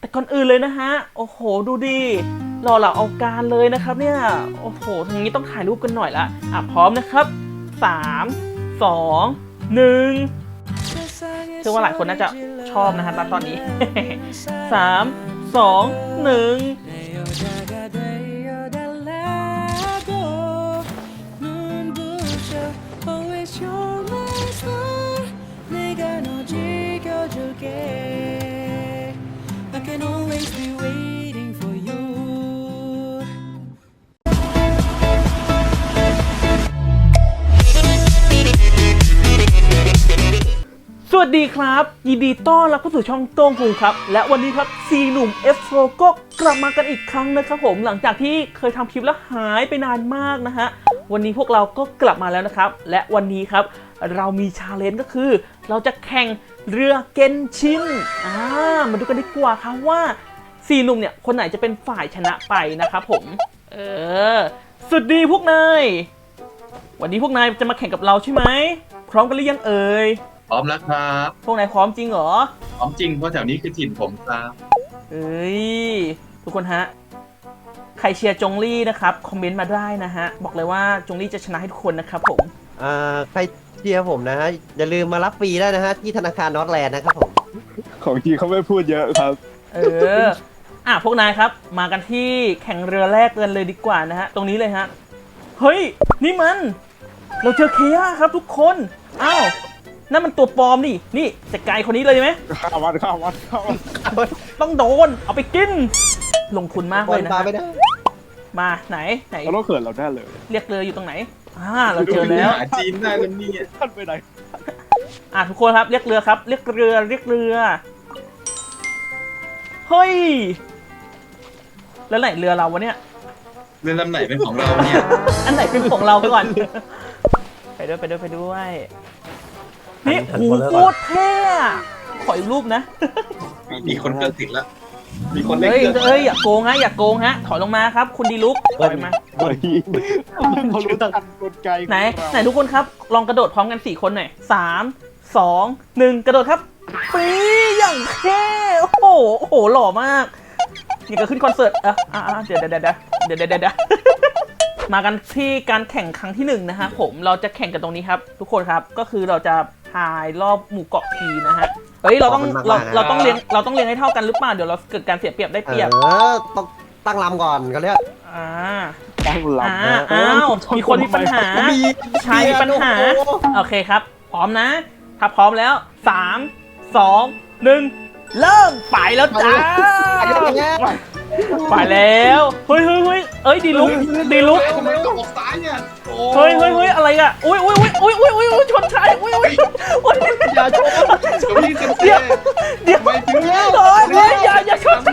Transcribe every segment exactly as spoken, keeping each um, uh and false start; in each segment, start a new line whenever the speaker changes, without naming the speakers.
แต่ก่อนอื่นเลยนะฮะโอ้โหดูดิรอเราเอาการเลยนะครับเนี่ยโอ้โหทางนี้ต้องถ่ายรูปกันหน่อยละอ่ะพร้อมนะครับสามสองหนึ่งเชื่อว่าหลายคนน่าจะชอบนะฮะตอนนี้สามสองหนึ่งสวัสดีครับยินดีต้อนรับเข้าสู่ช่องโต้งภูครับและวันนี้ครับสี่หนุ่ม เอฟ โฟ ก็กลับมากันอีกครั้งนะครับผมหลังจากที่เคยทำคลิปแล้วหายไปนานมากนะฮะวันนี้พวกเราก็กลับมาแล้วนะครับและวันนี้ครับเรามีชาเลนจ์ก็คือเราจะแข่งเรือเกนชินอ่ามาดูกันดีกว่าครับว่าสี่หนุ่มเนี่ยคนไหนจะเป็นฝ่ายชนะไปนะครับผมเออสวัสดีพวกนายวันนี้พวกนายจะมาแข่งกับเราใช่ไหมพร้อมกันหรือยังเอ่ย
พร้อมแล้วครับ
พวกนายพร้อมจริงเหรอ
พร้อมจริงเพราะแถวนี้คือถิ่นผมครับ
เอ้ยทุกคนฮะใครเชียร์จงลี่นะครับคอมเมนต์มาได้นะฮะบอกเลยว่าจงลี่จะชนะให้ทุกคนนะครับผม
อ่าใครเชียร์ผมนะฮะอย่าลืมมารับฟรีได้นะฮะที่ธนาคารนอร์ทแลนด์นะครับผม
ของจริงเขาไม่พูดเยอะครับ
เอออ่ะพวกนายครับมากันที่แข่งเรือแรกกันเลยดีกว่านะฮะตรงนี้เลยฮะเฮ้ยนี่มันเราเจอเคย่าครับทุกคนอ้าวนั่นมันตัวปลอมนี่นี่จัดการคนนี้เลยไหม
ข้าวันข้าวันข้าวัน
ต้องโดนเอาไปกินลงทุนมากเลยนะมาไหนไหน
เราต้องเขินเราแน่เลย
เรียกเรืออยู่ตรงไหนอ่าเราเจอแล้ว
หาจีนได้แล้วนี่
ท่านไปไหน
อ่าทุกคนครับเรียกเรือครับเรียกเรือเรียกเรือเฮ้ยแล้วไหนเรือเราวะเนี่ย
เรือลำไหนเป็นของเราเนี่ย
อันไหนเป็นของเราก่อนไปด้วยไปด้วยไปด้วยนี่โอ้โหโคตรเท่ขออีกรูปนะ
มีคนเกินติดแล้วมีคนเล่น
เฮ้ยเฮ้ยอย่าโกงฮะอย่าโกงฮะถอยลงมาครับคุณดีลุกถอยมา
เฮ้ยเขารู้ทันกลไก
ไหนไหนทุกคนครับลองกระโดดพร้อมกันสี่คนหน่อยสามสองหนึ่งกระโดดครับปีอย่างเท่โอ้โหโอ้โหหล่อมากนี่ก็ขึ้นคอนเสิร์ตอ่ะอ่ะเดี๋ยวเดี๋ยวเดี๋ยวเดี๋ยวเดี๋ยวเดี๋ยวมากันที่การแข่งครั้งที่หนึ่งนะฮะผมเราจะแข่งกันตรงนี้ครับทุกคนครับก็คือเราจะพายรอบหมู่เกาะพีนะฮะเฮ้ยเราต้องเราเราต้องเลี้ยงเราต้องเลี้ยงให้เท่ากันหรือเปล่าเดี๋ยวเราเกิดการเสียเปรียบได้เปรียบ
เออต้องตั้งลำก่อนเขาเรียก
อ่า
ตั้งลำ
นะอ้าวมีคนมีปัญหาชายมีปัญหาโอเคครับพร้อมนะถ้าพร้อมแล้วสามสองหนึ่งเริ่มไปแล้วจ้าไปแล้วเฮ้ยเฮ้ยเฮ้ยเอ้ยดีลุกดีลุก
ทำไมต้องออกซ้ายเนี่ย
เฮ้ยเฮ้ยเฮ้ยอะไรอ่ะอุ้ยอุ้ยอุ้ยอุ้ยอุ้ยอุ้ยชนชายอุ้ยอุ้ยอุ้ย
อย่าชน
เดี๋ยวเดี๋ยวไม่ถึงแล้วเฮ้ยอย่าอย่าชน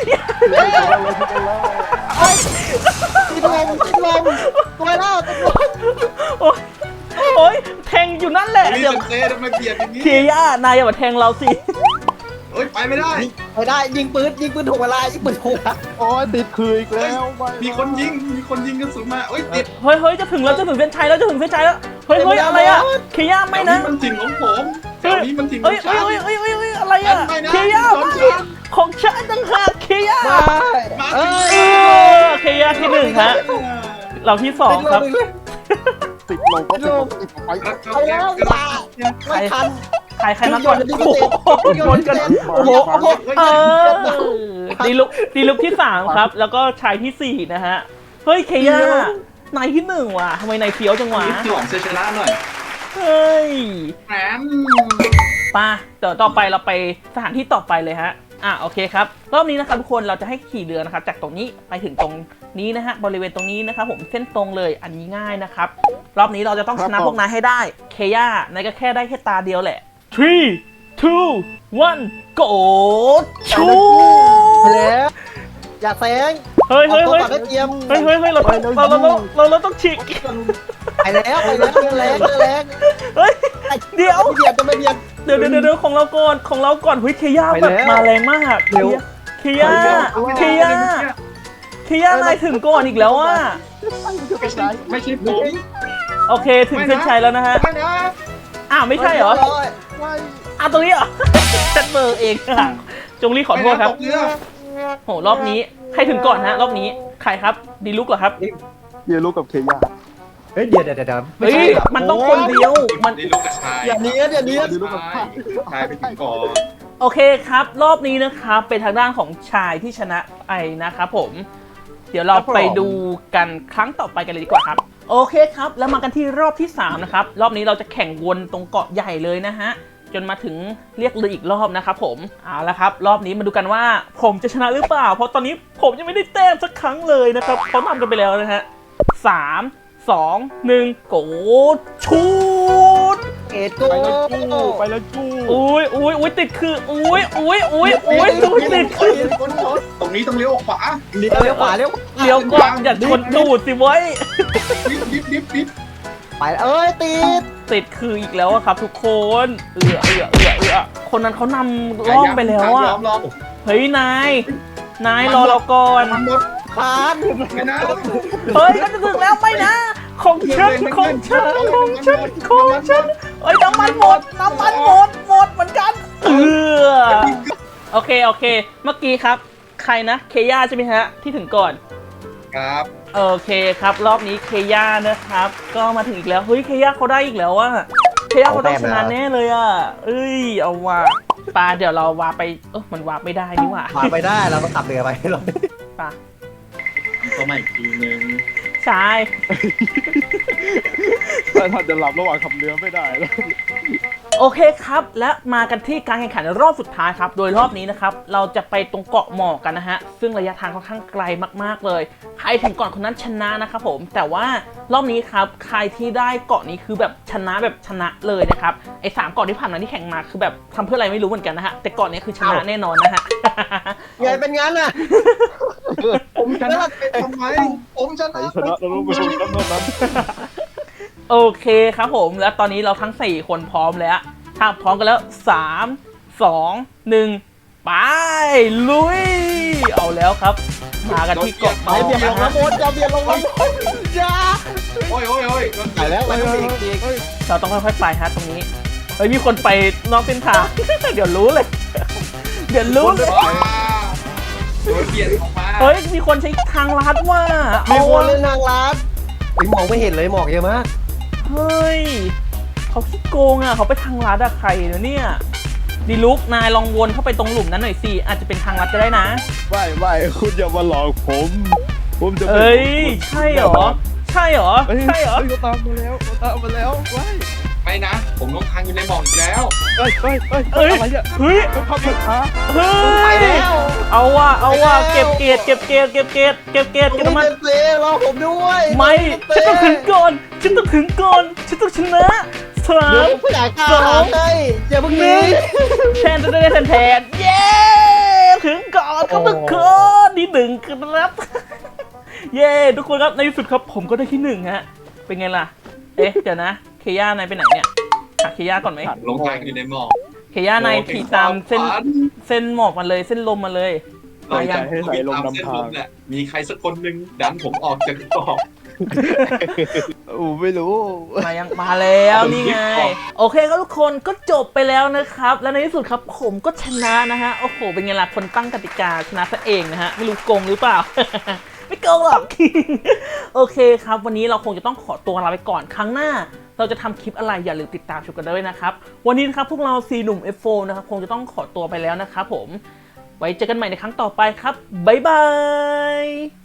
ติดลมติดลมตัวแล้วติดลม
โอ้ยโอ้ยแทงอยู่นั่นแหละ
เดี๋ยวเซ่ทำไมเบียดอย่างนี้
เคียย่านายอย่ามาแทงเราสิ
เฮ้ยไปไม่ได้
ไปได้ยิงปืนยิงปืนถูกเวลายิงปืนถูก
โอ้ยติดคืออีกแล้ว
มีคนยิงมีคนยิงกระสุนมาเฮ้ยติด
เฮ้ยเฮ้ยจะถึงแล้วจะถึงเส้นชัยแล้วจะถึงเส้นชัยแล้วเฮ้ยเฮ้ยอะไรอะเคียย่าไม่นะ
มันถิ่นของผมแถวนี้มันถิ่นข
เฮ้
อย
งฉันเฮ้ยเฮ้ยเฮ้ยเฮ้ยอะไรอะเคียย่าของฉันต่างหากเคียย่าเออเคียย่าที่หนึ่งฮะเราที่สองครับ
ติดลมก็ติดลมติดไป
เอาแล้วไม่ทัน
ใครใครมาก่อนโอ้โหชนกันโอ้โหโอ้โหเออดีลุกดีลุกที่สามครับแล้วก็ชายที่สี่นะฮะเฮ้ยเคียย่านายที่หนึ่งว่ะทำไมนายเฟี้ยวจังวะ
หวังจะชนะหน่อย
เฮ้ย
แหม
ป่ะเดี๋ยวต่อไปเราไปสถานที่ต่อไปเลยฮะอ่ะโอเคครับรอบนี้นะครับทุกคนเราจะให้ขี่เรือนะครับจากตรงนี้ไปถึงตรงนี้นะฮะบริเวณตรงนี้นะครับผมเส้นตรงเลยอันนี้ง่ายนะครับรอบนี้เราจะต้องชนะพวกนายให้ได้เคียย่านายก็แค่ได้แค่ตาเดียวแหละthree two one go ชู
แล้วอย่าแซง
เฮ้ยเฮ้ยเฮ้ยเฮ้ยเฮ้ยเฮ้ยเราเราเราเราเราต้องฉีก
ไปแล้วไปแล้วแรงแรง
เฮ้ยเดี๋ยว
เบียดจะไม่เบียด
เดี๋ยวเดี๋ยวเดี๋ยวของเราก่อนของเราก่อนเฮ้ยเคียย่าแบบมาแรงมากเคียเคียย่าเคียย่าเคียย่านายถึงก่อนอีกแล้วอ่ะ
ไม่ใช่ไม่ใช่ผม
โอเคถึงเส้นชัยแล้วนะฮะอ้าวไม่ใช่เหรออ่ะตรงนี้เหรอฉันเบอร์เองค่ะจงรีขอโทษครับ
ตกเรือ
โหรอบนี้ใครถึงก่อนฮะรอบนี้ใครครับดีลุกเหรอครับ
เยลูกกับเคย่า
เฮ้ยเดี๋ยวเดี๋ยวเดี๋ยวไม่
เฮ้
ใช่
ย
ครับ
มันต้องคนเดียวมัน
นี่ลูกกระชาย
อย่าเนี้ยอย่าเนี้ย
เยลูกกับ
ชายชายไปถึงก่อน
โอเคครับ รอบนี้นะครับเป็นทางด้านของชายที่ชนะไปนะครับผม เดี๋ยวเราไปดูกันครั้งต่อไปกันเลยดีกว่าครับ โอเคครับแล้วมากันที่รอบที่สามนะครับรอบนี้เราจะแข่งวนตรงเกาะใหญ่เลยนะฮะจนมาถึงเรียกเรืออีกรอบนะครับผมเอาละครับรอบนี้มาดูกันว่าผมจะชนะหรือเปล่า เพราะตอนนี้ผมยังไม่ได้แต้มสักครั้งเลยนะครับเขานำกันไปแล้วนะฮะสามสองหนึ่งโกชูด
เอ็ดโก
ไปแล้วจู้ไปแล้วจู้
อุ้ยอุ้ยอุ้ยติดคืออุ้ยอุ้ยอุ้ยอุ้ยอุ้ยติดคือ
ตรงนี้ต้องเลี้ยวขวา
เลี้ยวเลี้ยวขวาเลี้ยว
เดี๋ยวก่อนอย่าชนตูดสิเว้ย
ดิบดิบดิบดิบ
ไปแล้วเอ้ยติด
ติดคืออีกแล้วอะครับทุกคนเอือเอือเอือเอือคนนั้นเขานำล่องไปแล้วอะ
ยอมรอ
เฮ้ยนายนายรอเราก่อน
มันหมด
คาน
ไม่นะ
เฮ้ยก็จะถึงแล้วไม่นะของฉันของฉันของฉันของฉันเฮ้ยน้ำมันหมดน้ำมันหมดหมดเหมือนกันเออโอเคโอเค เมื่อกี้ครับใครนะเคย่าใช่ไหมฮะที่ถึงก่อน
ครับ
โอเคครับรอบนี้เคย่านะครับ ก็มาถึงอีกแล้วเฮ้ยเคย่าเขาได้อีกแล้วอะเคย่าเขาต้องชนะแน่เลยอะเอ้ยเอาว่ะปาเดี๋ยวเราวาไปเออมันวาไม่ได้นี่หว่า
ขวาไปได้เราต้องขับเรือไปเรา
ปา
ตัวใหม่อีกทีนึง
ใช่
แต่ถ้าจะหลับระหว่างขับเรือไม่ได้แล้ว
โอเคครับและมากันที่การแข่งขันรอบสุดท้ายครับโดยรอบนี้นะครับเราจะไปตรงเกาะหมอกกันนะฮะซึ่งระยะทางค่อนข้างไกลมากๆเลยใครถึงก่อนคนนั้นชนะนะครับผมแต่ว่ารอบนี้ครับใครที่ได้เกาะนี้คือแบบชนะแบบชนะเลยนะครับไอ้สามเกาะที่ผ่านมาที่แข่งมาคือแบบทำเพื่ออะไรไม่รู้เหมือนกันนะฮะแต่เกาะนี้คือชนะแน่นอนนะฮะ
ไงเป็นงั้นน่ะ
ผมชนะทำไมผมช
ใคร
นะ
ชนะเรารู้ไปชนะเท่านั้น
โอเคครับผมแล้วตอนนี้เราทั้งสี่คนพร้อมแล้วถ้าพร้อมกันแล้วสามสองหนึ่งไปลุยเอาแล้วครับมากันที่เกาะหม
ไป
อก
เบียดล
นะ
ง
ฮะ
น้ำบนจะเบียดลงน้ำบนอย่า
โอ้ยโอ้ยโอ้ย
ไปแล้วไปแล้วอีกอีก
เราต้องค่อยๆไปฮะตรงนี้เฮ้ยมีคนไปนอกเส้นทาง เดี๋ยวรู้เลย เดี๋ยวรู้เลย
ว้าโดนเบียดออกมา
เฮ้ยมีคนใช้ทางลัดว่า
มี
เอา
คน
วะ
เล่นทางลัดไอ้ยมองไม่เห็นเลยหมอกเยอะมาก
เฮ้ยเขาขี้โกงอ่ะเขาไปทางลัดอะใครเนอะเนี่ยดีลุกนายลองวนเข้าไปตรงหลุมนั้นหน่อยสิอาจจะเป็นทางลัดก็ได้นะ
ไม่ไม่คุณอย่ามาหลอกผม ผมจะ
เอ้ยใช่เหรอใช่เหรอ
เฮ้ย
ใช่เหรอ
เฮ้ยเขาตามมาแล้วเขาตามมาแล้วว้าย
ไม่นะ ผมลงทางอยู่ในหมอกอีกแล้ว
เฮ้ยเฮ้ยเฮ้ย
เอ้ย
อะไรเนี่ย
เฮ้ย
เขาขับรถช้า
เฮ้
ไป
ย
แล้ว
เอาว่ะเอาว่ะเก็บเกรดเก็บเกรดเก็บเกรดเก็บเกรด
ผม
เก็บน้ำมัน
เป็นเซรอผมด้วย
ไม่ฉันต้องถึงก่อนฉันต้องถึงก่อนฉันต้องชนะสา
เดี๋ยว
ม
ผมอยากกล้า
สอง
ให้อย่าเพิ่ง
ห
หนี
นึ่งแทนจะได้แทนแทนเย้ถึงก่อนครับทุกคนที่หนึ่งครับ เย้ทุกคนครับในที่สุดครับผมก็ได้ที่หนึ่งฮะเป็นไงล่ะเอ๊ะเดี๋ยวนะเคย่านายไปไหนเนี่ยหาเคย่าก่อนไหม
ลงทางอยู่ในหมอก
เคย่านายขี่ตามเส้นเส้นหมอกมาเลยเส้นลมมาเลย
ลงจากให้ไหลลงนำทางมีใครสักคนหนึ่งดันผมออกจากเกาะ
โอ้ไม่รู้
มายังมาแล้วนี่ไงโอเคครับทุกคนก็จบไปแล้วนะครับ และในที่สุดครับผมก็ชนะนะฮะโอ้โหเป็นไงล่ะคนตั้งกติกาชนะซะเองนะฮะไม่รู้โกงหรือเปล่า ไม่โกงหรอก โอเคครับวันนี้เราคงจะต้องขอตัวลาไปก่อนครั้งหน้า เราจะทำคลิปอะไรอย่าลืมติดตามชมกันด้วยนะครับวันนี้นะครับพวกเราสี่หนุ่ม เอฟ โฟร์ นะครับคงจะต้องขอตัวไปแล้วนะครับผมไว้เจอกันใหม่ในครั้งต่อไปครับบ๊ายบาย